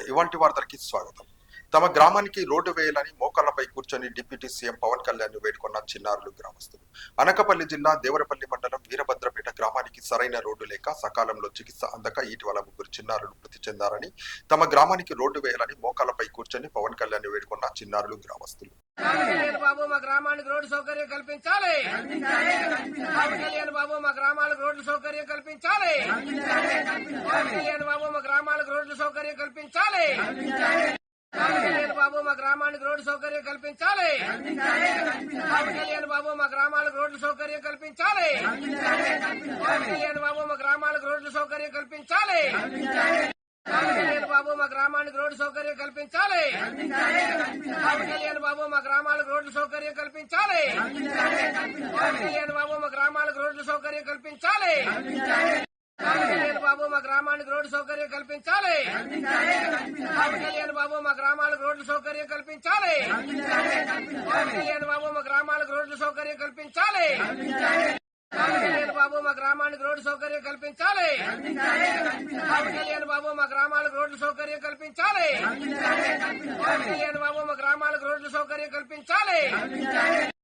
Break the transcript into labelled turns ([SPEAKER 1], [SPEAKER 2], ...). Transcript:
[SPEAKER 1] ఇవాంటి వార్తలకి స్వాగతం. తమ గ్రామానికి రోడ్డు వేయాలని మోకాళ్లపై కూర్చొని డిప్యూటీ సీఎం పవన్ కళ్యాణ్ ను వేడుకున్న చిన్నారులు గ్రామస్తులు. అనకాపల్లి జిల్లా దేవరపల్లి మండలం వీరభద్రపేట గ్రామానికి సరైన రోడ్డు లేక సకాలంలో చికిత్స అందక ఇటీవల ముగ్గురు చిన్నారులు మృతి చెందారని, తమ గ్రామానికి రోడ్డు వేయాలని మోకాళ్లపై కూర్చొని పవన్ కళ్యాణ్ ను వేడుకున్న చిన్నారులు గ్రామస్తులు.
[SPEAKER 2] బాబు మా గ్రామానికి రోడ్డు సౌకర్యం కల్పించాలి. కళ్యాణ్ బాబు మా గ్రామాలకు రోడ్డు సౌకర్యం కల్పించాలి. కళ్యాణ్ బాబు మా గ్రామాలకు రోడ్డు సౌకర్యం కల్పించాలి. కళ్యాణ్ బాబు మా గ్రామానికి రోడ్డు సౌకర్యం కల్పించాలి. కళ్యాణ్ బాబు మా గ్రామాలకు రోడ్డు సౌకర్యం కల్పించాలి. కళ్యాణ్ బాబు మా గ్రామాలకు రోడ్డు సౌకర్యం కల్పించాలి. కళ్యాణ్ బాబు మా గ్రామానికి రోడ్డు సౌకర్యం కల్పించాలి. కళ్యాణ్ బాబు మా గ్రామాలకు రోడ్డు సౌకర్యం కల్పించాలి. కళ్యాణ్ బాబు మా గ్రామాలకు రోడ్డు సౌకర్యం కల్పించాలి. కళ్యాణ్ బాబు మా గ్రామానికి రోడ్డు సౌకర్యం కల్పించాలి. కళ్యాణ్ బాబు మా గ్రామాలకు రోడ్డు సౌకర్యం కల్పించాలి. కళ్యాణ్ బాబు మా గ్రామాలకు రోడ్డు సౌకర్యం కల్పించాలి. కళ్యాణ్ బాబు మా గ్రామానికి రోడ్డు సౌకర్యం కల్పించాలి. కళ్యాణ్ బాబు మా గ్రామాలకు రోడ్డు సౌకర్యం కల్పించాలి. కళ్యాణ్ బాబు మా గ్రామాలకు రోడ్డు సౌకర్యం కల్పించాలి.